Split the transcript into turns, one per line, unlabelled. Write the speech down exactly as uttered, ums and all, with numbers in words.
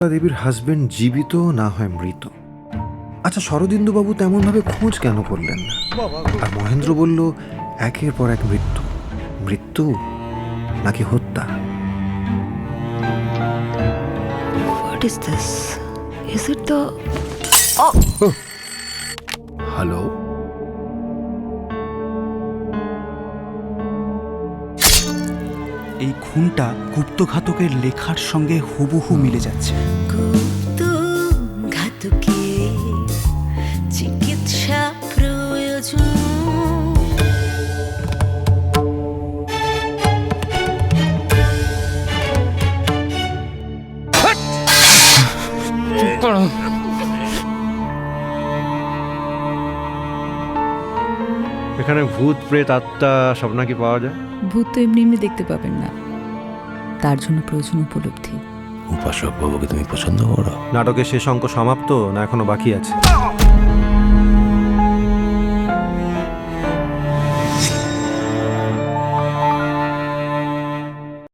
দেবীর হাজবেন্ড জীবিত না হয় মৃত। আচ্ছা, শরদিন্দুবাবু তেমনভাবে খোঁজ কেন করলেন না? আর মহেন্দ্র বলল একের পর এক মৃত্যু, মৃত্যু নাকি হত্যা?
What is this? Is it the...
hello,
এই খুনটা গুপ্তঘাতকের লেখার সঙ্গে হুবহু মিলে যাচ্ছে।
ঘাতকে চিকিৎসা প্রয়োজন।
এখানে ভূত প্রেত আত্মা সব নাকি পাওয়া যায়?
ভূত তো এমনি এমনি দেখতে পাবেন না, তার জন্য প্রয়োজন উপলব্ধি।
উপাসক বাবুকে তুমি পছন্দ করো?
নাটকের শেষ অঙ্ক সমাপ্ত না এখনো বাকি আছে?